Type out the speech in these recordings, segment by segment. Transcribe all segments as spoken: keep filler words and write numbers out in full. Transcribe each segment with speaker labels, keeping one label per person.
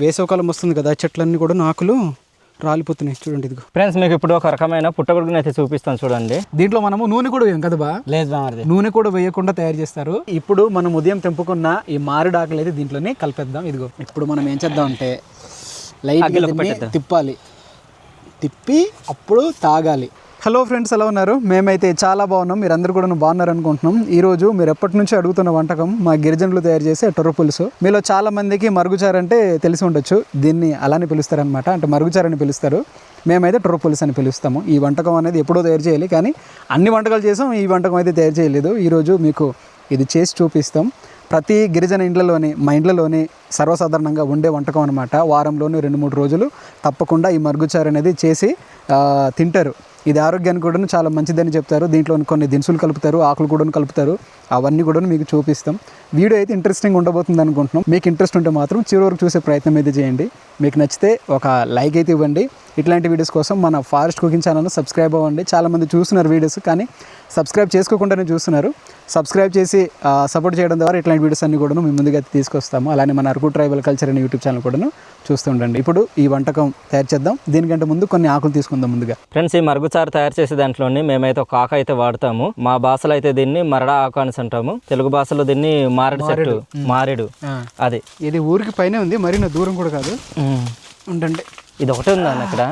Speaker 1: వేసవకాలం వస్తుంది కదా, చెట్లన్నీ కూడా ఆకులు రాలిపోతున్నాయి చూడండి. ఇదిగో
Speaker 2: ఫ్రెండ్స్, మీకు ఇప్పుడు ఒక రకమైన పుట్టగొడుగుని అయితే చూపిస్తాను చూడండి.
Speaker 1: దీంట్లో మనము నూనె కూడా వేయం కదా బా?
Speaker 2: లేదు బామర్ది,
Speaker 1: నూనె కూడా వేయకుండా తయారు చేస్తారు. ఇప్పుడు మనం ఉదయం తెంపుకున్న ఈ మామిడి ఆకులు అయితే దీంట్లోనే కలిపేద్దాం. ఇదిగో ఇప్పుడు మనం ఏం చేద్దాం అంటే లైట్ తిప్పాలి, తిప్పి అప్పుడు తాగాలి. హలో ఫ్రెండ్స్, ఎలా ఉన్నారు? మేమైతే చాలా బాగున్నాం, మీరు అందరూ కూడా బాగున్నారు అనుకుంటున్నాం. ఈరోజు మీరు ఎప్పటి నుంచి అడుగుతున్న వంటకం మా గిరిజనులు తయారు చేసే టొర్ర పులుసు. మీలో చాలా మందికి మరుగుచారు అంటే తెలిసి ఉండొచ్చు, దీన్ని అలానే పిలుస్తారనమాట, అంటే మరుగుచారు అని పిలుస్తారు. మేమైతే టొర్ర పులుసు అని పిలుస్తాము. ఈ వంటకం అనేది ఎప్పుడో తయారు చేయాలి, కానీ అన్ని వంటకాలు చేసాం, ఈ వంటకం అయితే తయారు చేయలేదు. ఈరోజు మీకు ఇది చేసి చూపిస్తాం. ప్రతి గిరిజన ఇండ్లలోని, మా ఇండ్లలోని సర్వసాధారణంగా ఉండే వంటకం అనమాట. వారంలోని రెండు మూడు రోజులు తప్పకుండా ఈ మరుగుచారు అనేది చేసి తింటారు. ఇది ఆరోగ్యానికి కూడా చాలా మంచిదని చెప్తారు. దీంట్లో కొన్ని దినుసులు కలుపుతారు, ఆకులు కూడా కలుపుతారు. అవన్నీ కూడా మీకు చూపిస్తాం. వీడియో అయితే ఇంట్రెస్టింగ్ ఉండబోతుంది అనుకుంటున్నాం. మీకు ఇంట్రెస్ట్ ఉంటే మాత్రం చివరి వరకు చూసే ప్రయత్నం అయితే చేయండి. మీకు నచ్చితే ఒక లైక్ అయితే ఇవ్వండి. ఇట్లాంటి వీడియోస్ కోసం మన ఫారెస్ట్ కుకింగ్ ఛానల్ను సబ్స్క్రైబ్ అవ్వండి. చాలామంది చూస్తున్నారు వీడియోస్, కానీ సబ్స్క్రైబ్ చేసుకోకుండానే చూస్తున్నారు. సబ్స్క్రైబ్ చేసి సపోర్ట్ చేయడం ద్వారా ఇట్లాంటి వీడియోస్ అన్ని కూడా మేము ముందుగా తీసుకొస్తాము. అలానే మన అరకు ట్రైబల్ కల్చర్ అనే యూట్యూబ్ ఛానల్ కూడా చూస్తుండండి. ఇప్పుడు ఈ వంటకం తయారు చేద్దాం. దీనికంటే ముందు కొన్ని ఆకులు తీసుకుందాం. ముందుగా
Speaker 2: ఫ్రెండ్స్, ఈ మరుగుచారు తయారు చేసే దాంట్లోని మేమైతే ఒక ఆకు అయితే వాడతాము. మా భాషలో అయితే దీన్ని మరడా ఆకు అని అంటాము, తెలుగు భాషలో దీన్ని మారేడు చెట్టు, మారేడు. అది
Speaker 1: ఇది ఊరికి పైన ఉంది, మరీ దూరం కూడా కాదు. ఉండండి,
Speaker 2: ఇది ఒకటే ఉందా అక్కడ?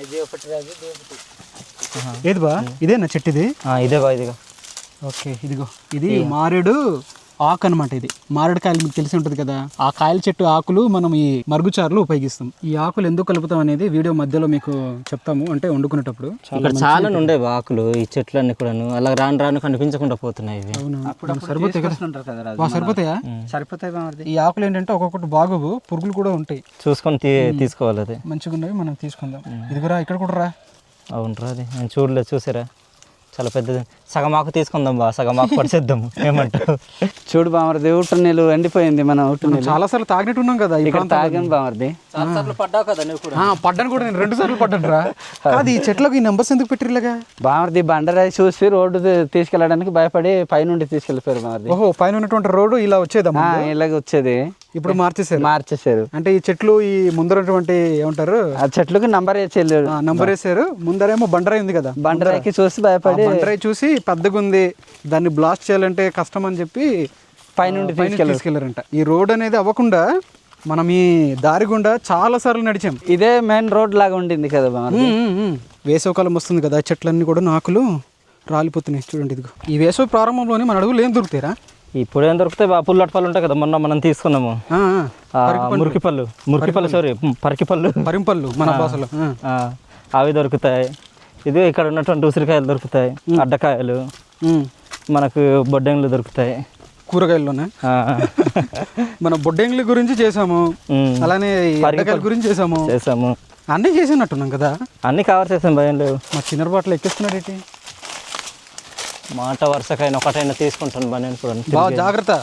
Speaker 1: ఏది బా? ఇదేనా చెట్టు? ఇది
Speaker 2: ఇదే బా, ఇదిగో.
Speaker 1: ఓకే, ఇదిగో ఇది మారేడు ఆకు అనమాట. ఇది మారేడు కాయలు మీకు తెలిసి ఉంటుంది కదా, ఆ కాయల చెట్టు ఆకులు మనం ఈ మరుగుచారులు ఉపయోగిస్తాం. ఈ ఆకులు ఎందుకు కలుపుతాం అనేది వీడియో మధ్యలో మీకు చెప్తాము, అంటే వండుకునేటప్పుడు.
Speaker 2: ఇక్కడ చాలా ఉండే ఆకులు, ఈ చెట్లన్నీ కూడాను అలా రాను రాను కనిపించకుండా పోతున్నాయి.
Speaker 1: సరిపోతాయి కదా? సరిపోతాయా? సరిపోతాయి. ఈ ఆకులు ఏంటంటే ఒక్కొక్కటి బాగోవు, పురుగులు కూడా ఉంటాయి,
Speaker 2: చూసుకొని తీసుకోవాలి. అది
Speaker 1: మంచిగా ఉన్నవి మనం తీసుకుందాం. ఇది కూడా ఇక్కడ కూడా రా.
Speaker 2: అవునరా, అది నేను చూడలేదు, చూసారా? చాలా పెద్దది. సగం ఆకు తీసుకుందాం బా, సగం ఆకు పడిచేద్దాము. ఏమంటావు?
Speaker 3: చూడు బామర్ది, ఊట నీళ్ళు ఎండిపోయింది. మనం ఊట నీళ్ళు
Speaker 1: చాలా సార్లు తాగినట్టు ఉన్నాం కదా,
Speaker 3: ఇక్కడ తాగాను బామర్ది.
Speaker 2: పడ్డావు కదా నువ్వు కూడా?
Speaker 1: పడ్డాను కూడా, నేను రెండు సార్లు పడ్డాను రా. అది ఈ చెట్లకు ఈ నెంబర్స్ ఎందుకు పెట్టిర్లేగా?
Speaker 3: బామర్ది బండరాయి చూసి రోడ్డు తీసుకెళ్ళడానికి భయపడి పైనుండి తీసుకెళ్ళిపోయారు బామర్ది.
Speaker 1: ఓహో, పైన ఉన్నటువంటి రోడ్డు ఇలా వచ్చేదమ్మా?
Speaker 3: ఇలాగ వచ్చేది,
Speaker 1: ఇప్పుడు మార్చేసారు.
Speaker 3: మార్చేసారు
Speaker 1: అంటే ఈ చెట్లు ఈ ముందరటువంటి ఏమంటారు,
Speaker 3: ఆ చెట్లకు నంబర్ వేసేది,
Speaker 1: నంబర్ వేసారు. ముందరేమో బండరాయి ఉంది కదా,
Speaker 3: బండరాయికి చూసి భయపడి,
Speaker 1: బండరాయి చూసి పెద్దగా ఉంది, దాన్ని బ్లాస్ట్ చేయాలంటే కష్టం అని చెప్పి
Speaker 3: పైనుండి
Speaker 1: తీసుకెళ్లారంట. ఈ రోడ్ అనేది అవ్వకుండా మనం ఈ దారి గుండా చాలా సార్లు నడిచాం.
Speaker 3: ఇదే మెయిన్ రోడ్ లాగా ఉండింది కదా బామర్ది.
Speaker 1: వేసవకాలం వస్తుంది కదా, చెట్లన్నీ కూడా ఆకులు రాలిపోతున్నాయి చూడండి. ఇదిగో ఈ వేసవి ప్రారంభంలోనే మన అడుగులు ఏం దొరుకుతాయిరా?
Speaker 2: ఇప్పుడు ఏం దొరుకుతాయి బా, పుల్లటి ఉంటాయి కదా, మొన్న మనం తీసుకున్నాము. మురికిపళ్ళు, మురికిపళ్ళు సారీ పరికిపళ్ళు,
Speaker 1: పరింపళ్ళు మన భాషలో,
Speaker 2: అవి దొరుకుతాయి. ఇది ఇక్కడ ఉన్నటువంటి ఉసిరికాయలు దొరుకుతాయి, అడ్డకాయలు, మనకు బొడ్డెంగులు దొరుకుతాయి.
Speaker 1: కూరగాయల్లోనే మన బొడ్డెంగుల గురించి చేసాము, అలానే అడ్డకాయల గురించి చేసాము
Speaker 2: చేసాము
Speaker 1: అన్నీ చేసినట్టున్నాం కదా.
Speaker 2: అన్ని కవర్ చేసాం, భయం లేవు.
Speaker 1: మా చిన్న బాటలు ఎక్కిస్తున్నాడు ఏంటి?
Speaker 2: మాట వరుసకైనా ఒకటైనా తీసుకుంటాను బా నేను కూడా.
Speaker 1: బాగా జాగ్రత్త.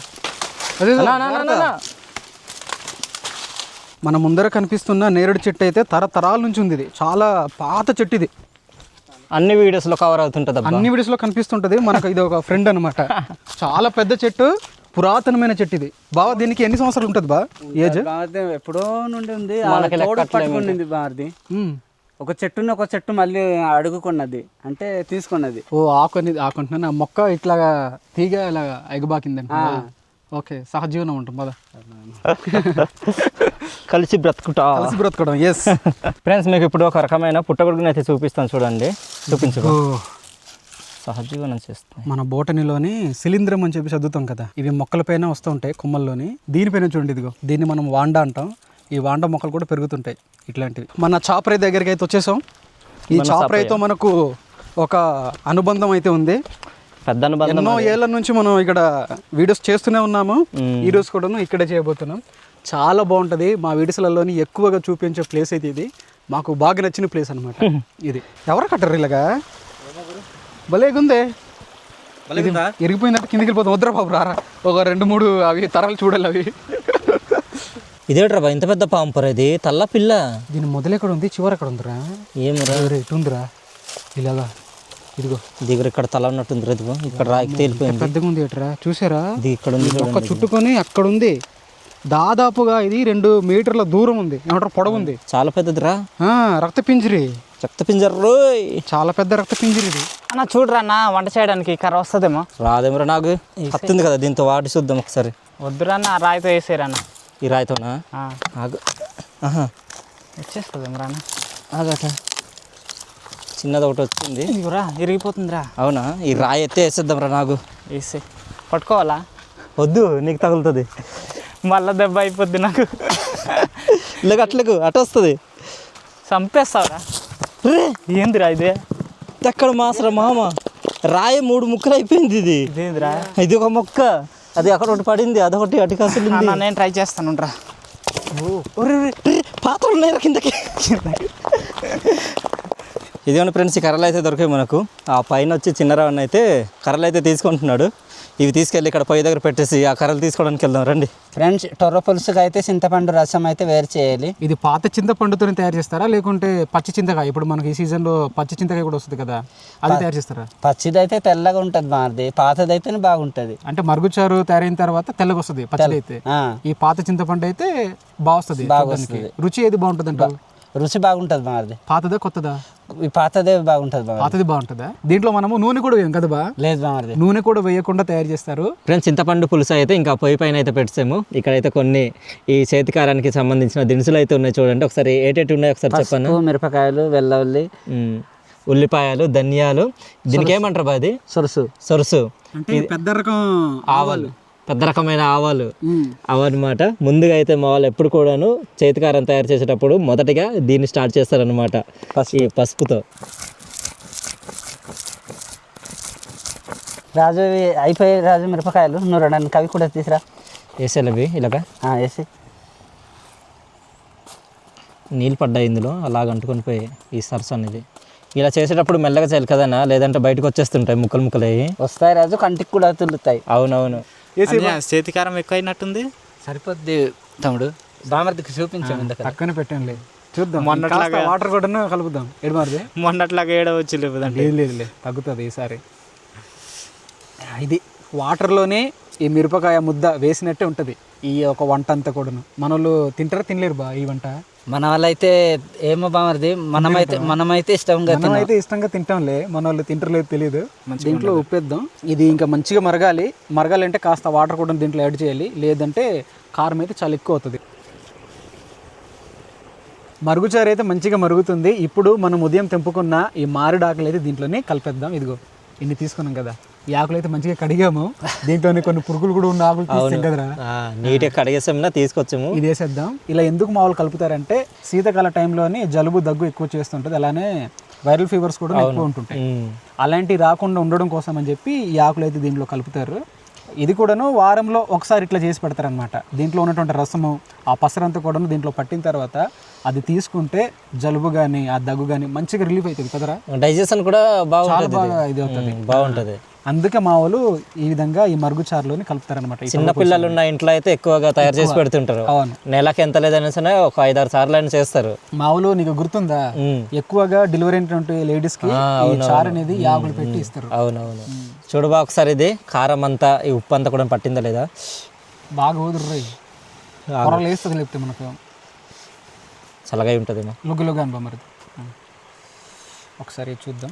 Speaker 1: మన ముందర కనిపిస్తున్న నేరేడు చెట్టు అయితే తరతరాల నుంచి ఉంది. ఇది చాలా పాత చెట్టు, ఇది
Speaker 2: అన్ని వీడియోస్లో కవర్ అవుతుంటుంది,
Speaker 1: అన్ని వీడియోస్లో కనిపిస్తుంటుంది. మనకు ఇది ఒక ఫ్రెండ్ అనమాట. చాలా పెద్ద చెట్టు, పురాతనమైన చెట్టు ఇది. బావ దీనికి ఎన్ని సంవత్సరాలు ఉంటుంది బా ఏజ్?
Speaker 3: ఎప్పుడో నుండి ఉంది, పట్టుకున్నది బామర్ది. ఒక చెట్టుని ఒక చెట్టు మళ్ళీ అడుగుకున్నది, అంటే తీసుకున్నది.
Speaker 1: ఓ ఆకు అనేది ఆకుంటున్నాను, ఆ మొక్క ఇట్లాగా తీగ ఇలా ఎగబాకిందండి. ఓకే, సహజీవనం ఉంటుంది పద,
Speaker 2: కలిసి బ్రతుకుటా,
Speaker 1: కలిసి బ్రతుకోవడం. ఎస్
Speaker 2: ఫ్రెండ్స్, మీకు ఇప్పుడు ఒక రకమైన పుట్టగొడుగుని అయితే చూపిస్తాను చూడండి. చూపించుకో, సహజీవనం చేస్తాం.
Speaker 1: మన బోటనీలోని శిలీంద్రం అని చెప్పి చదువుతాం కదా, ఇవి మొక్కలపైన వస్తూ ఉంటాయి కొమ్మల్లోని. దీనిపైన చూడండి, ఇదిగో దీన్ని మనం వాండా అంటాం. ఈ వాండా మొక్కలు కూడా పెరుగుతుంటాయి ఇట్లాంటివి. మన చాపరాయి దగ్గరికి అయితే వచ్చేసాం. ఈ చాపరాయితో మనకు ఒక అనుబంధం అయితే ఉంది,
Speaker 2: పెద్ద అనుబంధం.
Speaker 1: ఎన్నో ఏళ్ళ నుంచి మనం ఇక్కడ వీడియోస్ చేస్తూనే ఉన్నాము. ఈ రోజు కూడా ఇక్కడే చేయబోతున్నాం. చాలా బాగుంటుంది. మా వీడియోస్లలోని ఎక్కువగా చూపించే ప్లేస్ అయితే ఇది. మాకు బాగా నచ్చిన ప్లేస్ అనమాట ఇది. ఎవరు కట్టరు ఇలాగా? భలేగుందే. ఎరిగిపోయిందంటే కిందికి వెళ్ళిపోతాం. వద్దురా బాబు, రారా, ఒక రెండు మూడు అవి తరాలు చూడాలి. అవి
Speaker 2: ఇదేట్రా బా, ఇంత పెద్ద పాంపర్, ఇది తల్ల పిల్ల.
Speaker 1: దీని మొదలు ఎక్కడ ఉంది, చివరి ఎక్కడ ఉందిరా?
Speaker 2: ఏమరా
Speaker 1: ఇటు ఉందిరా, ఇలాగా. ఇదిగో
Speaker 2: దగ్గర ఇక్కడ తల ఉన్నట్టుంది, ఇదిగో ఇక్కడ రాయికి తేలిపోయింది.
Speaker 1: పెద్దగా ఉంది ఏట్రా, చూసారా?
Speaker 2: ఇది ఇక్కడ ఉంది,
Speaker 1: ఒక్క చుట్టుకొని అక్కడ ఉంది. దాదాపుగా ఇది రెండు మీటర్ల దూరం ఉంది, ఏమంటారు పొడవు ఉంది.
Speaker 2: చాలా పెద్దదిరా.
Speaker 1: ఆ, రక్త పింజరి.
Speaker 2: రక్త పింజరు
Speaker 1: చాలా పెద్ద రక్త పింజరి ఇది.
Speaker 3: అన్న చూడరా అన్న, వంట చేయడానికి కర్ర వస్తుందేమో.
Speaker 2: రాదేమరా, నాకు కత్తుంది కదా, దీంతో వాటి చూద్దాం ఒకసారి.
Speaker 3: వద్దురా అన్న, రాయితో వేసేరన్న.
Speaker 2: ఈ రాయితోనా? ఆగు. ఆహా,
Speaker 3: వచ్చేస్తుందేమో రాన్న.
Speaker 2: ఆగట, చిన్నది ఒకటి వచ్చింది.
Speaker 3: ఇదిగోరా, ఇరిగిపోతుందిరా.
Speaker 2: అవునా? ఈ రాయి ఎత్తే వేసేద్దాం రా. నాకు
Speaker 3: వేసే పట్టుకోవాలా?
Speaker 2: వద్దు, నీకు తగులుతుంది.
Speaker 3: మళ్ళా దెబ్బ అయిపోద్ది నాకు.
Speaker 2: ఇలాగ అట్లకు అటు వస్తుంది.
Speaker 3: చంపేస్తావురా. ఏందిరా ఇదే?
Speaker 2: ఎక్కడ మాసరా మామ, రాయి మూడు ముక్కలు అయిపోయింది. ఇది
Speaker 3: ఇదేందిరా?
Speaker 2: ఇది ఒక మొక్క, అది అక్కడ ఒకటి పడింది, అదొకటి అటు కాసులు.
Speaker 3: నేను ట్రై చేస్తాను రా.
Speaker 2: పాత్రలు ఉన్నాయి కిందకి. ఇదిగోండి ఫ్రెండ్స్, ఈ కర్రలు అయితే దొరికాయి మనకు. ఆ పైన వచ్చి చిన్నరావన్న అయితే కర్రలు అయితే తీసుకుంటున్నాడు. ఇవి తీసుకెళ్ళి ఇక్కడ పొయ్యి దగ్గర పెట్టేసి ఆ కర్రలు తీసుకోవడానికి వెళ్దాం రండి.
Speaker 3: ఫ్రెండ్స్, టొర్ర పులుసుకి అయితే చింతపండు రసం అయితే వేరు చేయాలి.
Speaker 1: ఇది పాత చింతపండుతో తయారు చేస్తారా, లేకుంటే పచ్చి చింతకాయ? ఇప్పుడు మనకి ఈ సీజన్లో పచ్చి చింతకాయ కూడా వస్తుంది కదా, అది తయారు చేస్తారా?
Speaker 3: పచ్చిది అయితే తెల్లగా ఉంటుంది మాది, పాతది అయితేనే బాగుంటుంది.
Speaker 1: అంటే మరుగుచారు తయారైన తర్వాత తెల్లగా వస్తుంది పచ్చడి అయితే. ఈ పాత చింతపండు అయితే బాగా వస్తుంది. రుచి ఏది బాగుంటుంది అంటే?
Speaker 3: రుచి బాగుంటుంది మాది.
Speaker 1: పాతదా కొత్తదా?
Speaker 3: ఈ పాతదే బాగుంటుంది.
Speaker 1: పాతది బాగుంటుందా? దీంట్లో మనము నూనె కూడా వేయం కదా బా?
Speaker 3: లేదు బాగుంది,
Speaker 1: నూనె కూడా వేయకుండా తయారు చేస్తారు.
Speaker 2: ఫ్రెండ్స్, చింతపండు పులుసు అయితే ఇంకా పొయ్యి పైన అయితే పెట్టాము. ఇక్కడైతే కొన్ని ఈ చేతికారానికి సంబంధించిన దినుసులు అయితే ఉన్నాయి చూడండి. ఒకసారి ఏటేటి ఉన్నాయి ఒకసారి చెప్పాను.
Speaker 3: మిరపకాయలు, వెల్లుల్లి,
Speaker 2: ఉల్లిపాయలు, ధనియాలు. దీనికి ఏమంటారు బా? అది
Speaker 3: సొరుసు.
Speaker 2: సొరుసు
Speaker 1: అంటే పెద్ద రకం ఆవాలు,
Speaker 2: పెద్ద రకమైన ఆవాలు అవన్నమాట. ముందుగా అయితే మా వాళ్ళు ఎప్పుడు కూడాను చేతికారం తయారు చేసేటప్పుడు మొదటిగా దీన్ని స్టార్ట్ చేస్తారనమాట, ఈ పసుపుతో.
Speaker 3: రాజు అయిపోయి రాజు మిరపకాయలు నువ్వు రెండు కవి కూడా తీసురా.
Speaker 2: వేసేలవి ఇలాగా
Speaker 3: వేసి
Speaker 2: నీళ్ళు పడ్డాయి ఇందులో, అలాగ అంటుకొని పోయి ఈ సరస్సు అనేది. ఇలా చేసేటప్పుడు మెల్లగా చేయాలి కదన్నా, లేదంటే బయటకు వచ్చేస్తుంటాయి ముక్కలు ముక్కలు అయ్యి.
Speaker 3: వస్తాయి రాజు, కంటికి కూడా తుల్లుతాయి.
Speaker 2: అవునవును.
Speaker 3: చేతికారం ఎక్కువ అయినట్టుంది. సరిపోద్ది తమ్ముడు, బామర్దికి చూపించాము.
Speaker 1: పక్కన పెట్టండి, చూద్దాం. మొన్నట్లాగా వాటర్ కూడా కలుపుదాం. ఏడమారిది
Speaker 3: మొన్నట్లాగా ఏడవచ్చు లేదండి.
Speaker 1: లేదు లేదులే, తగ్గుతుంది ఈసారి. ఇది వాటర్లోనే ఈ మిరపకాయ ముద్ద వేసినట్టే ఉంటుంది ఈ ఒక వంట అంతా కూడాను. మన వాళ్ళు తింటారా తినలేరు బా ఈ వంట?
Speaker 3: మన వాళ్ళైతే ఏమో బామర్ది, మనమైతే మనమైతే ఇష్టంగా
Speaker 1: మనమైతే ఇష్టంగా తింటాంలే, మన వాళ్ళు తింటలేదు తెలియదు. దీంట్లో ఉప్పేద్దాం. ఇది ఇంకా మంచిగా మరగాలి. మరగాలంటే కాస్త వాటర్ కూడా దీంట్లో యాడ్ చేయాలి, లేదంటే కారం అయితే చాలా ఎక్కువ అవుతుంది. మరుగుచారు అయితే మంచిగా మరుగుతుంది. ఇప్పుడు మనం ఉదయం తెంపుకున్న ఈ మామిడి ఆకులు అయితే దీంట్లోనే కలిపేద్దాం. ఇదిగో ఇన్ని తీసుకున్నాం కదా, ఈ ఆకులు అయితే మంచిగా కడిగాము. దీంట్లోనే కొన్ని పురుగులు కూడా ఉన్న ఆకులు తీసాం కదరా,
Speaker 2: నీట్గా కడిగేసాం, తీసుకొచ్చాము.
Speaker 1: ఇది వేసేద్దాం. ఇలా ఎందుకు మామూలు కలుపుతారంటే శీతాకాల టైంలోని జలుబు దగ్గు ఎక్కువ చేస్తుంటుంది, అలానే వైరల్ ఫీవర్స్ కూడా ఎక్కువ ఉంటుంటాయి. అలాంటివి రాకుండా ఉండడం కోసం అని చెప్పి ఈ ఆకులు అయితే దీంట్లో కలుపుతారు. ఇది కూడాను వారంలో ఒకసారి ఇట్లా చేసి పెడతారనమాట. దీంట్లో ఉన్నటువంటి రసము, ఆ పసరంతా కూడాను దీంట్లో పట్టిన తర్వాత అది తీసుకుంటే జలుబు కానీ ఆ దగ్గు కానీ మంచిగా రిలీఫ్ అవుతుంది కదరా.
Speaker 2: డైజెషన్ కూడా బాగా
Speaker 1: బాగా ఇది అవుతుంది,
Speaker 2: బాగుంటుంది.
Speaker 1: అందుకే మా వాళ్ళు ఈ విధంగా ఈ మరుగుచారులోని కలుపుతారనమాట.
Speaker 2: చిన్న పిల్లలు ఉన్న ఇంట్లో అయితే ఎక్కువగా తయారు చేసి పెడుతుంటారు.
Speaker 1: అవును,
Speaker 2: నెలకి ఎంత లేదనే సరే ఒక ఐదారు సార్లు అయినా చేస్తారు.
Speaker 1: మా వాళ్ళు నీకు గుర్తుందా, ఎక్కువగా డెలివరీ అయినటువంటి లేడీస్ కి ఈ చారు అనేది యాగులు పెట్టి ఇస్తారు.
Speaker 2: అవునవును. చూడబా ఒకసారి ఇది కారం అంతా ఈ ఉప్పు అంతా కూడా పట్టిందా లేదా?
Speaker 1: బాగా ఊదుర్రాయి, కూరలు వేస్తుంది లేకపోతే మనకు
Speaker 2: చల్లగా ఉంటుందేమో.
Speaker 1: లుగ్గులుగా అనుభవం మరి. ఒకసారి చూద్దాం.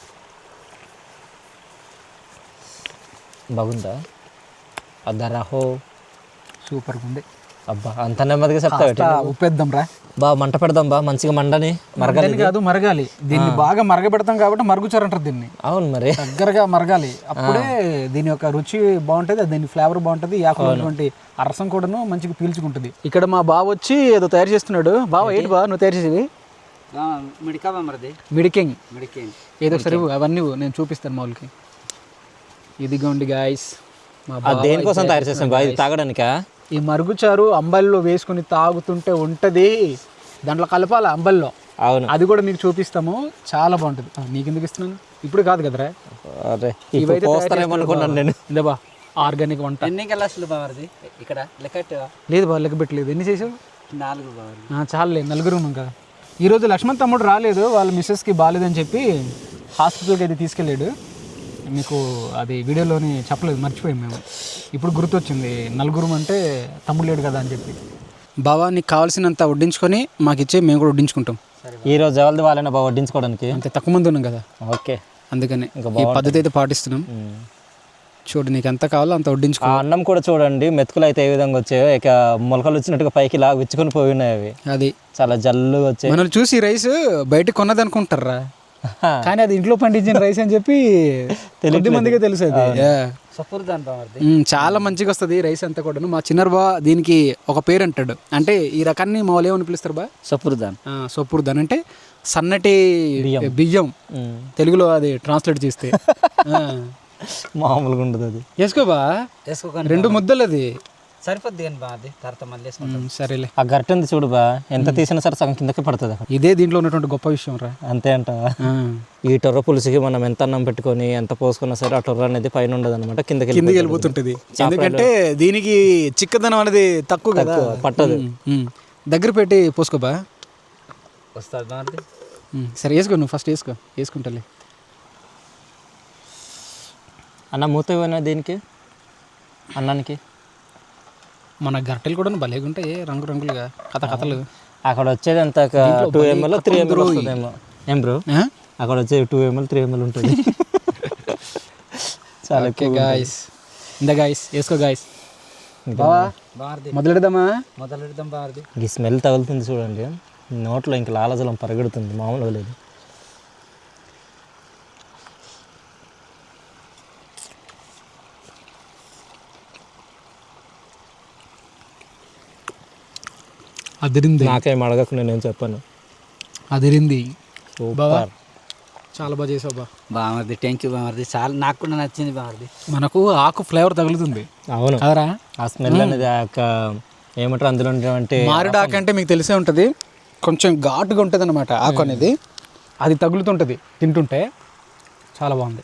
Speaker 2: బాగుందా? అద్దరాహో,
Speaker 1: సూపర్గా ఉంది.
Speaker 2: అబ్బా అంత నెమ్మదిగా చెప్తా.
Speaker 1: ఉప్పేద్దాం రా
Speaker 2: బా, మంట పెడదాం బా, మంచిగా మండని మరగాలి
Speaker 1: కాదు మరగాలి. దీన్ని బాగా మరగబెడతాం కాబట్టి మరుగుచారు అంటారు దీన్ని.
Speaker 2: అవును, మరి
Speaker 1: దగ్గరగా మరగాలి, అప్పుడే దీని యొక్క రుచి బాగుంటుంది, దీని ఫ్లేవర్ బాగుంటుంది, యాకులటువంటి రసం కూడాను మంచిగా పీల్చుకుంటుంది. ఇక్కడ మా బావ వచ్చి ఏదో తయారు చేస్తున్నాడు. బావ ఏంటి బా నువ్వు తయారు చేసేది? మిడికింగ్. మిడికింగ్ ఏదో సరే అవన్నీ నేను చూపిస్తాను మా వాళ్ళకి. ఇదిగోండి గాయస్,
Speaker 2: దేనికోసం తయారు చేస్తాం బా? ఇది తాగడానికా?
Speaker 1: ఈ మరుగుచారు అంబల్లో వేసుకుని తాగుతుంటే ఉంటుంది, దాంట్లో కలపాలి అంబల్లో.
Speaker 2: అవును,
Speaker 1: అది కూడా మీకు చూపిస్తాము, చాలా బాగుంటుంది. నీకు ఎందుకు ఇస్తున్నాను, ఇప్పుడు కాదు కదరా.
Speaker 2: అనుకున్నాను నేను.
Speaker 1: ఇదేబా ఆర్గానిక్ వంట.
Speaker 3: ఎన్ని గ్లాసులు బావది ఇక్కడ లెక్క?
Speaker 1: లేదు బా, లెక్క పెట్టలేదు. ఎన్ని చేసావు?
Speaker 3: నాలుగు.
Speaker 1: చాలులే, నలుగురు ఉన్నాం కదా. ఈరోజు లక్ష్మణ్ తమ్ముడు రాలేదు, వాళ్ళ మిస్సెస్కి బాగాలేదని చెప్పి హాస్పిటల్కి అయితే తీసుకెళ్ళాడు. మీకు అది వీడియోలోని చెప్పలేదు, మర్చిపోయాం మేము. ఇప్పుడు గుర్తొచ్చింది, నలుగురు అంటే తమ్ముడు లేడు కదా అని చెప్పి. బావా నీకు కావాల్సినంత వడ్డించుకొని మాకు ఇచ్చే, మేము కూడా వడ్డించుకుంటాం.
Speaker 2: ఈ రోజు ఎవరిది వాళ్ళైనా బాగా వడ్డించుకోవడానికి
Speaker 1: అంతే, తక్కువ మంది ఉన్నాం కదా.
Speaker 2: ఓకే,
Speaker 1: అందుకని ఈ పద్ధతి అయితే పాటిస్తున్నాం. చూడు నీకు ఎంత కావాలో అంత వడ్డించుకో.
Speaker 2: ఆ అన్నం కూడా చూడండి, మెతుకులు అయితే ఏ విధంగా వచ్చాయో, ఇక మొలకలు వచ్చినట్టుగా పైకి ఇలా విచ్చుకొని పోయి ఉన్నాయి. అవి
Speaker 1: అది
Speaker 2: చాలా జల్లుగా వచ్చాయి.
Speaker 1: మనం చూసి రైస్ బయట కొన్నది అనుకుంటారా, కానీ అది ఇంట్లో పండించిన రైస్ అని చెప్పి కొద్ది మందికే తెలుసు. అది
Speaker 3: సఫర్దాన్ బామర్ది,
Speaker 1: చాలా మంచిగా వస్తుంది రైస్ అంతా కూడా. మా చిన్నారు బా దీనికి ఒక పేరు అంటాడు, అంటే ఈ రకాన్ని మా వాళ్ళు ఏమని పిలుస్తారు బా?
Speaker 3: సఫర్దాన్.
Speaker 1: సొప్పురుదాన్ అంటే సన్నటి బియ్యం, తెలుగులో అది ట్రాన్స్లేట్ చేస్తే.
Speaker 2: మామూలుగా ఉండదు అది.
Speaker 1: వేసుకోబా, రెండు ముద్దలు అది
Speaker 3: సరిపోద్ది కానీ బాగా తర్వాత మళ్ళీ వేసుకుంటాం.
Speaker 1: సరేలే.
Speaker 2: ఆ గరిటె ఉంది చూడు బా, ఎంత తీసినా సరే సగం కిందకి పడుతుంది.
Speaker 1: ఇదే దీంట్లో ఉన్నటువంటి గొప్ప విషయం రా.
Speaker 2: అంతే అంట. ఈ టొర్ర పులుసుకి మనం ఎంత అన్నం పెట్టుకొని ఎంత పోసుకున్నా సరే ఆ టొర్ర అనేది పైన ఉండదు అనమాట, కిందకి
Speaker 1: కిందకి వెళ్ళిపోతుంటది. ఎందుకంటే దీనికి చిక్కదనం అనేది తక్కువ కదా,
Speaker 2: పట్టదు.
Speaker 1: దగ్గర పెట్టి పోసుకోబా.
Speaker 3: వస్తుంది బామర్ది.
Speaker 1: సరే వేసుకో, నువ్వు ఫస్ట్ వేసుకో. వేసుకుంటాలే.
Speaker 2: అన్న మూత ఇవ్వనా దీనికి, అన్నానికి?
Speaker 1: మన గరిటెలు కూడా భలేగా ఉంటాయి, రంగు రంగులుగా, కథ కథలు.
Speaker 2: అక్కడ వచ్చేది ఎంత, టూ ఎంఎల్ త్రీ ఎంఎల్ వస్తుందేమో. ఏం బ్రో, అక్కడ వచ్చేది టూ ఎంఎల్ త్రీ ఎంఎల్ ఉంటుంది. చాలా
Speaker 1: ఓకే గాయస్, ఇందా గాయస్ వేసుకో గాయస్. బావా మొదలెడదామా?
Speaker 3: మొదలెడదాం బామర్ది.
Speaker 2: ఈ స్మెల్ తగులుతుంది చూడండి, నోట్లో ఇంకా లాలజలం పరిగెడుతుంది, మామూలుగా లేదు.
Speaker 1: అదిరింది.
Speaker 2: నాకేం అడగకు, నేనేం చెప్పాను.
Speaker 1: అదిరింది బావా,
Speaker 2: సూపర్.
Speaker 1: చాలా బాగా చేసావు బా.
Speaker 3: బామర్ది థ్యాంక్ యూ బామర్ది, చాలా నాకు కూడా నచ్చింది బామర్ది.
Speaker 1: మనకు ఆకు ఫ్లేవర్ తగులుతుంది.
Speaker 2: అవును
Speaker 1: కదరా,
Speaker 2: ఆ స్మెల్ అనేది ఆ యొక్క ఏమంటారు అందులో అంటే
Speaker 1: మామిడి ఆకు అంటే మీకు తెలిసే ఉంటుంది, కొంచెం ఘాటుగా ఉంటుంది అనమాట ఆకు అనేది. అది తగులుతుంటుంది తింటుంటే, చాలా బాగుంది.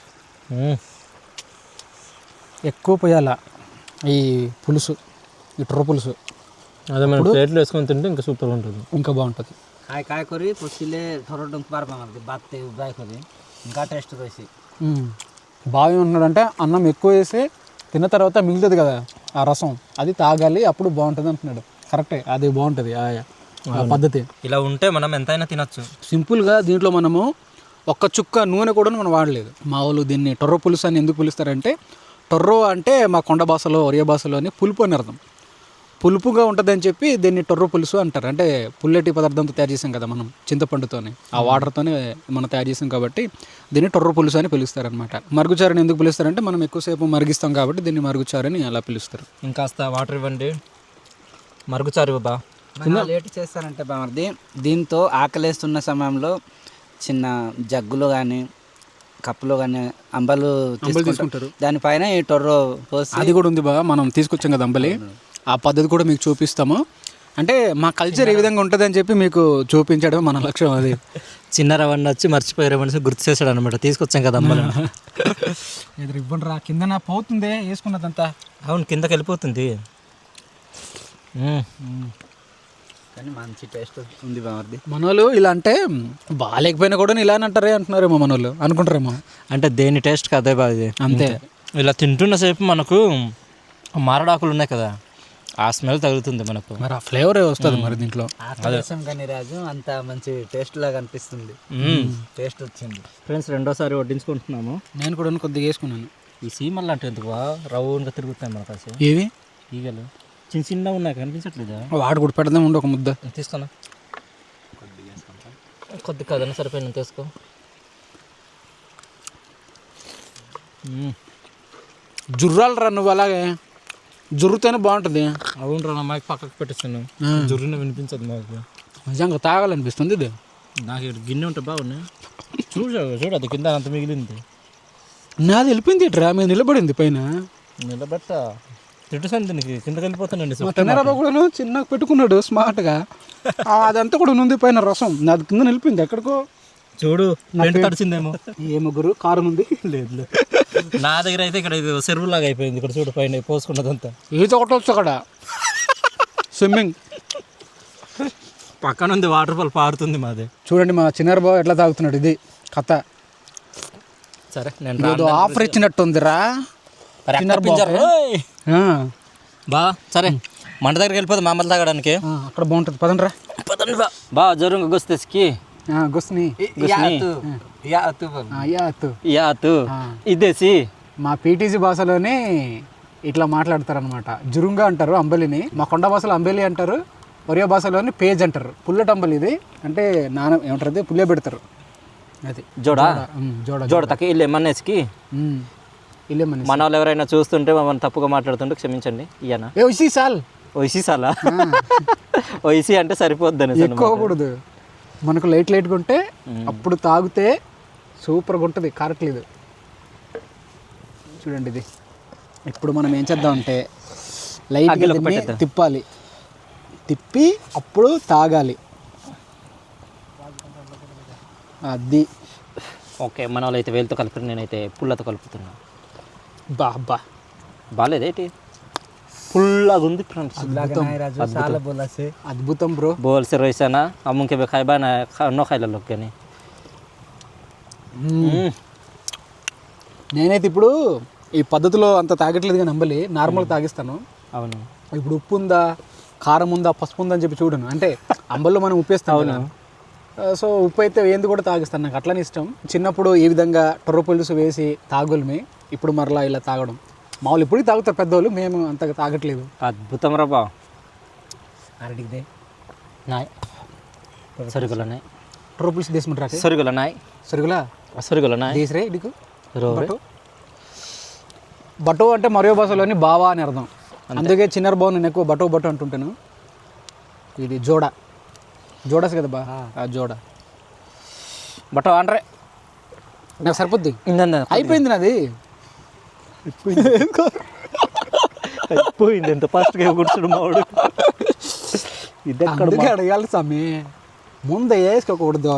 Speaker 1: ఎక్కువ పోయాల ఈ పులుసు, ఈ టొర్ర పులుసు.
Speaker 2: అదే మనం ప్లేట్లో వేసుకొని తింటే ఇంకా సూపర్ ఉంటుంది,
Speaker 1: ఇంకా బాగుంటుంది.
Speaker 3: కాయ కాయ కొరి పొసిలే థోड़ा डंक पार बामर्दी बात ते उबाय కొరి ఇంకా టేస్ట్ వేసి.
Speaker 1: బాగా ఉంటున్నాడంటే అన్నం ఎక్కువ వేసి తిన్న తర్వాత మిగులుతుంది కదా ఆ రసం, అది తాగాలి, అప్పుడు బాగుంటుంది అంటున్నాడు. కరెక్టే, అది బాగుంటుంది ఆ పద్ధతి.
Speaker 2: ఇలా ఉంటే మనం ఎంతైనా తినచ్చు.
Speaker 1: సింపుల్గా దీంట్లో మనము ఒక్క చుక్క నూనె కూడా మనం వాడలేదు. మా వాళ్ళు దీన్ని టొర్ర పులుసు అని ఎందుకు పిలుస్తారంటే, టొర్రో అంటే మా కొండ భాషలో, ఒరియా భాషలో అని పులుపు అని అర్థం. పులుపుగా ఉంటుందని చెప్పి దీన్ని టొర్ర పులుసు అంటారు. అంటే పుల్లటి పదార్థంతో తయారు చేసాం కదా మనం, చింతపండుతోనే, ఆ వాటర్తోనే మనం తయారు చేసాం కాబట్టి దీన్ని టొర్ర పులుసు అని పిలుస్తారు అనమాట. మరుగుచారని ఎందుకు పిలుస్తారంటే, మనం ఎక్కువసేపు మరిగిస్తాం కాబట్టి దీన్ని మరుగుచారని అలా పిలుస్తారు.
Speaker 2: ఇంకాస్త వాటర్ ఇవ్వండి, మరుగుచారు బా.
Speaker 3: లేట్ చేస్తారంటే బామర్ది, దీంతో ఆకలేస్తున్న సమయంలో చిన్న జగ్గులో కానీ కప్పులో కానీ అంబలు తీసుకుంటారు, దానిపైన ఈ టొర్రో పోసి.
Speaker 1: అది కూడా ఉంది బా, మనం తీసుకొచ్చాం కదా అంబలి, ఆ పద్ధతి కూడా మీకు చూపిస్తాము. అంటే మా కల్చర్ ఏ విధంగా ఉంటుంది అని చెప్పి మీకు చూపించడం మన లక్ష్యం. అది
Speaker 2: చిన్న రవణ వచ్చి మర్చిపోయారు మనిషి గుర్తు చేశాడు అనమాట, తీసుకొచ్చాం కదా అమ్మలు.
Speaker 1: ఎదురు ఇవ్వండి రా, కింద నా పోతుంది వేసుకున్నదంతా.
Speaker 2: అవును, కిందకి వెళ్ళిపోతుంది.
Speaker 3: కానీ మంచి టేస్ట్ ఉంది బామర్ది.
Speaker 1: మనోళ్ళు ఇలా అంటే బాగాలేకపోయినా కూడా ఇలా అంటారే అంటున్నారేమో, మనోళ్ళు అనుకుంటారేమో.
Speaker 2: అంటే దేని టేస్ట్ కదే బాగా
Speaker 1: అంతే.
Speaker 2: ఇలా తింటున్న సేపు మనకు మారడాకులు ఉన్నాయి కదా, ఆ స్మెల్ తగులుతుంది మనకు,
Speaker 1: మరి ఆ ఫ్లేవర్ వస్తుంది మరి దీంట్లో.
Speaker 3: కానీ రాజు అంత మంచి టేస్ట్ లాగా అనిపిస్తుంది, టేస్ట్ వచ్చింది.
Speaker 2: ఫ్రెండ్స్ రెండోసారి వడ్డించుకుంటున్నాము.
Speaker 1: నేను కూడా కొద్దిగా వేసుకున్నాను.
Speaker 2: ఈ సీమల్ అంటే ఎందుకు రౌండ్గా తిరుగుతాయి మనకు అసలు.
Speaker 1: ఏవి
Speaker 2: ఈగలు చిన్న చిన్న ఉన్నాయి, కనిపించట్లేదా?
Speaker 1: వాడు కూడా పెడదాం, ఉండి ఒక ముద్ద
Speaker 2: తీసుకున్నా. కొద్ది కదన్నా సరిపోయిన తీసుకో.
Speaker 1: జుర్రాలు రా నువ్వు, అలాగే జుర్రుతోనే బాగుంటుంది.
Speaker 2: అవును రా, మాకు పక్కకు పెట్టిస్తాను, జుర్రునే వినిపించదు మాకు.
Speaker 1: నిజంగా తాగాలనిపిస్తుంది ఇది.
Speaker 2: నాకు ఇక్కడ గిన్నె ఉంటే బాగున్నాయి. చూడు చూడు, అది కింద అంత మిగిలింది.
Speaker 1: నాది వెళ్ళిపోయింది ఇట్రా, మీద నిలబడింది పైన.
Speaker 2: నిలబెట్ట తిట్టుసాను దీనికి, కిందకి వెళ్ళిపోతానండి.
Speaker 1: తిన్నారా కూడా చిన్నగా పెట్టుకున్నాడు స్మార్ట్గా, అదంతా కూడా ఉంది పైన రసం, నాది కింద నిలిపింది ఎక్కడికో.
Speaker 2: చూడు తడిచిందేమో.
Speaker 1: ఏ ముగ్గురు కారం ఉంది.
Speaker 2: లేదు లేదు, నా దగ్గర అయితే ఇక్కడ ఇది చెరువులాగా అయిపోయింది. ఇక్కడ చూడు పైన పోసుకున్నదంతా.
Speaker 1: ఈత కొట్టవచ్చు అక్కడ, స్విమ్మింగ్
Speaker 2: పక్కన ఉంది, వాటర్ ఫాల్ పారుతుంది మాది.
Speaker 1: చూడండి మా చిన్నారు బాబు ఎట్లా తాగుతున్నాడు, ఇది కథ.
Speaker 2: సరే నేను
Speaker 1: ఏదో ఆఫర్ ఇచ్చినట్టుందిరా చిన్నారు బాబు. ఆ,
Speaker 2: బా సరే మంట దగ్గరికి వెళ్ళిపోదు మామూలు తాగడానికి.
Speaker 1: ఆ, అక్కడ బాగుంటుంది పదండ్రా.
Speaker 2: పదండి బా బా జరుంగ గుస్తేస్కి
Speaker 1: గుస్ని
Speaker 3: యా అత్తు బోల్.
Speaker 1: యా అత్తు.
Speaker 2: యాతు
Speaker 1: ఆ.
Speaker 2: ఇదేసి
Speaker 1: మా పీటీసీ భాషలోనే ఇట్లా మాట్లాడతారనమాట. జురుంగా అంటారు అంబలిని, మా కొండ భాషలో అంబలి అంటారు, ఒరియా భాషలోని పేజ్ అంటారు. పుల్లట అంబలి ఇది అంటే నాన ఏమంటారు అది పుల్లే పెడతారు. అది
Speaker 2: జోడా
Speaker 1: ఉమ్, జోడ
Speaker 2: జోడ తక్క ఇల్లే మన్నేసికి.
Speaker 1: ఉమ్, ఇల్లే మన
Speaker 2: మన వాళ్ళు ఎవరైనా చూస్తుంటే మమ్మల్ని తప్పుగా మాట్లాడుతుంటే క్షమించండి. ఇయ్యనా
Speaker 1: ఏ ఉసి సాల్
Speaker 2: ఒయిసి సాలా ఒయిసి అంటే సరిపోద్దని
Speaker 1: ఎక్కువకూడదు. మనకు లైట్ లైట్గా ఉంటే అప్పుడు తాగితే సూపర్గా ఉంటుంది. కారట్లేదు చూడండి ఇది. ఇప్పుడు మనం ఏం చేద్దాం అంటే లైట్ తిప్పాలి, తిప్పి అప్పుడు తాగాలి. అది
Speaker 2: ఓకే. మన వాళ్ళు అయితే వేలుతో కలిపి నేనైతే పుల్లతో కలుపుతున్నా.
Speaker 1: బా బా
Speaker 2: బాగాలేదేటి పుల్లగా ఉంది ఫ్రెండ్స్.
Speaker 1: అద్భుతం బ్రో.
Speaker 2: बोल से रोइसा ना अमुन के खाइबा ना नो खाइला लोग के नहीं.
Speaker 1: నేనైతే ఇప్పుడు ఈ పద్ధతిలో అంత తాగట్లేదు కానీ అంబలి నార్మల్ తాగిస్తాను.
Speaker 2: అవును.
Speaker 1: ఇప్పుడు ఉప్పు ఉందా, కారం ఉందా, పసుపు ఉందా అని చెప్పి చూడను. అంటే అంబల్లో మనం ఉప్పు వేస్తాం కదా, సో ఉప్పు అయితే ఏంది కూడా తాగిస్తాను. నాకు అట్లనే ఇష్టం. చిన్నప్పుడు ఈ విధంగా టొర్ర పులుసు వేసి తాగులమే, ఇప్పుడు మరలా ఇలా తాగడం మామూలు. ఇప్పుడు తాగుతారు పెద్దవాళ్ళు, మేము అంతగా తాగట్లేదు.
Speaker 2: అద్భుతం రా బా.
Speaker 1: అరటిదే
Speaker 2: నాయ్ సరుగుల నాయ్
Speaker 1: టొర్ర పులుసు తీసుకుంటారా?
Speaker 2: సరుగుల నాయ్
Speaker 1: సరుగులా
Speaker 2: సరుగుల నాయ్
Speaker 1: దేశరే ఇడికు
Speaker 2: రోరే
Speaker 1: బటో అంటే మరో భాషలోని బావా అని అర్థం. అందుకే చిన్నర బావ నేను ఎక్కువ బటో బటో అంటుంటాను. ఇది జోడ జోడస్ కదా బా, ఆ జోడ
Speaker 2: బటో ఆండ్రే
Speaker 1: నాకు సరిపోద్ది.
Speaker 2: ఇందంద
Speaker 1: అయిపోయింది నాది.
Speaker 2: అయిపోయింది ఎంత ఫాస్ట్గా కూర్చుడు మావాడు. ఇది ఎక్కడ
Speaker 1: అందుకే అడగాలి స్వామి, ముందు వేసుకోకూడదు.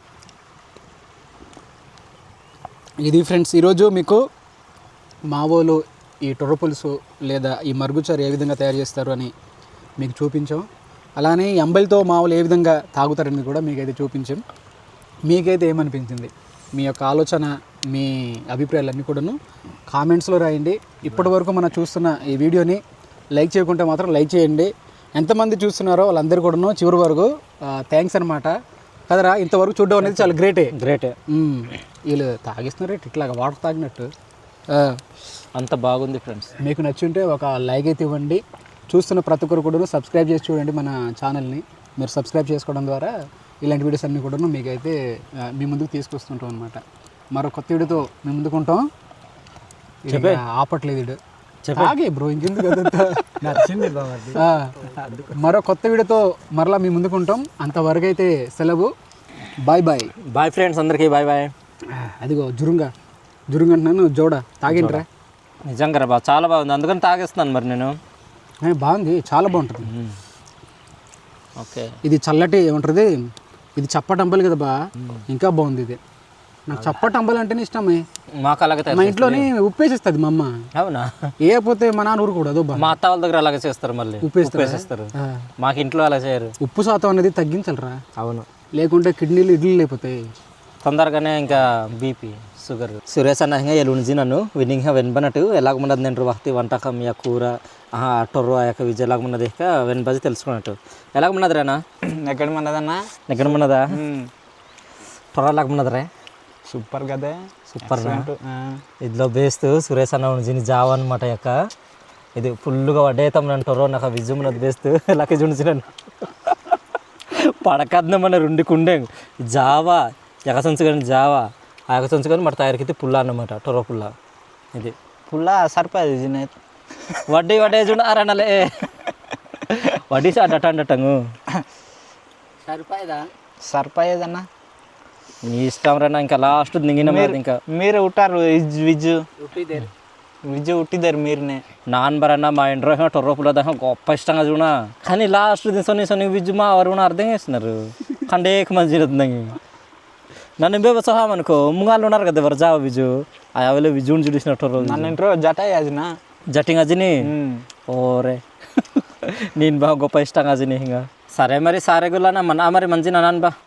Speaker 1: ఇది ఫ్రెండ్స్ ఈరోజు మీకు మావోలు ఈ టొర్ర పులుసు లేదా ఈ మరుగుచారు ఏ విధంగా తయారు చేస్తారు అని మీకు చూపించాం. అలానే ఈ అంబలితో మావోలు ఏ విధంగా తాగుతారని కూడా మీకైతే చూపించాం. మీకైతే ఏమనిపించింది, మీ యొక్క ఆలోచన, మీ అభిప్రాయాలన్నీ కూడాను కామెంట్స్లో రాయండి. ఇప్పటి వరకు మనం చూస్తున్న ఈ వీడియోని లైక్ చేయకుంటే మాత్రం లైక్ చేయండి. ఎంతమంది చూస్తున్నారో వాళ్ళందరూ కూడాను చివరి వరకు థ్యాంక్స్ అనమాట కదరా. ఇంతవరకు చూడడం అనేది చాలా గ్రేటే
Speaker 2: గ్రేటే.
Speaker 1: వీళ్ళు తాగిస్తున్నారు ఇట్లాగా వాటర్ తాగినట్టు.
Speaker 2: అంత బాగుంది ఫ్రెండ్స్.
Speaker 1: మీకు నచ్చుంటే ఒక లైక్ అయితే ఇవ్వండి. చూస్తున్న ప్రతి ఒక్కరు కూడా సబ్స్క్రైబ్ చేసి చూడండి మన ఛానల్ని. మీరు సబ్స్క్రైబ్ చేసుకోవడం ద్వారా ఇలాంటి వీడియోస్ అన్నీ కూడా మీకైతే మీ ముందుకు తీసుకొస్తుంటాం అనమాట. మరో కొత్త వీడియోతో మేము ముందుకుంటాం. ఆపట్లేదు ఇడు తాగే బ్రో, ఇంకెందుకు నచ్చింది. మరో కొత్త వీడియోతో మరలా మీ ముందుకుంటాం. అంతవరకు అయితే సెలవు. Bye bye.
Speaker 2: బాయ్ ఫ్రెండ్స్ అందరికీ బాయ్ బాయ్.
Speaker 1: అదిగో జురుంగా జురుంగ అంటున్నాను, జోడ తాగింట్రా.
Speaker 2: నిజంగా రా బా, చాలా బాగుంది, అందుకని తాగేస్తున్నాను మరి నేను.
Speaker 1: బాగుంది, చాలా బాగుంటుంది.
Speaker 2: ఓకే.
Speaker 1: ఇది చల్లటి ఏమంటుంది, ఇది చప్పటి అంబలి కదా బా, ఇంకా బాగుంది ఇది. నాకు చప్పటి అంబలి అంటేనే ఇష్టమే.
Speaker 2: మాకు అలాగే
Speaker 1: మా ఇంట్లోనే ఉప్పేసేస్తుంది మా అమ్మ.
Speaker 2: అవునా?
Speaker 1: ఏపోతే మా నాన్న ఊరు కూడా అదో బా.
Speaker 2: మా అత్త వాళ్ళ దగ్గర అలాగే చేస్తారు, మళ్ళీ ఉప్పేసేస్తారు. మాకు ఇంట్లో అలా చేయరు.
Speaker 1: ఉప్పు శాతం అనేది తగ్గించాలరా.
Speaker 2: అవును,
Speaker 1: లేకుంటే కిడ్నీలు ఇడ్లీలు అయిపోతాయి
Speaker 2: తొందరగానే. ఇంకా బీపీ షుగర్. సురేష్ అన్న ಹಿಂಗೆ ಎಲುಣಜಿ ನಾನು ವಿನಿಂಗ್ ಹ್ಯಾ ವೆನ್ ಬನಟು ఎలాగ ఉన్నది నేను వక్తి వంటకం యా కూర టొర్రో ఆ యొక్క విజయ్ ఎలాగ ఉన్నది ఇక వెన్ బజి తెలుసుకున్నట్టు ఎలాగ ఉన్నది రేనా?
Speaker 3: ఎక్కడ ఉన్నదన్నా?
Speaker 2: ఎక్కడ ఉన్నదా? టొర్ర ఎలాగ ఉన్నది రే?
Speaker 3: సూపర్ కదా,
Speaker 2: సూపర్. ఇదిలో బేస్తూ సురేష్ అన్న ఉణజిని జావ అనమాట యొక్క ఇది ఫుల్గా వడ్డేతాం నన్ను టొర్రో నాకు విజయం ఉన్నది బేస్తూ ఎలాగ జుణిచినాను పడకద్న మన రెండుకుండే జావా ఎగసంచుకొని జావా ఆ ఎగసంచుకొని మన తయారీకి పుల్ల అన్నమాట, టొర్రో పుల్ల. ఇది
Speaker 3: పుల్ల సరిపోయేది జినేత్
Speaker 2: వడ్డీ వడ్డే చూడ అరణలే వడ్డీ అడ్డట అండటంగు
Speaker 3: సరిపోయేదా? సరిపోయేదన్నా
Speaker 2: నీ ఇష్టం రా. ఇంకా లాస్ట్ దిగిన ఇంకా
Speaker 3: మీరు ఉంటారు విజ్జు విజ్జు ఉట్టిదారు మీరునే
Speaker 2: నాన్ బరన్నా మా ఇంట్లో టొర్రో పుల్ల దాకా గొప్ప ఇష్టంగా చూడ. కానీ లాస్ట్ సొని సొని విజ్జు మా ఎవరు అర్థం చేస్తున్నారు కండేక మంచి నన్ను బే సహామనుకో ముంగాళ్ళు ఉన్నారు కదా ఎవరు జావ విజు ఆ అవలే విజుని చూసినట్టు
Speaker 3: నన్ను ఇంట్లో జట అజినా
Speaker 2: జటింగ్ అజిని ఓరే నేను బాగా గొప్ప ఇష్టంగా అజిని ఇంకా. సరే మరి సారే గుల్లా మరి మంచి నాన్న బా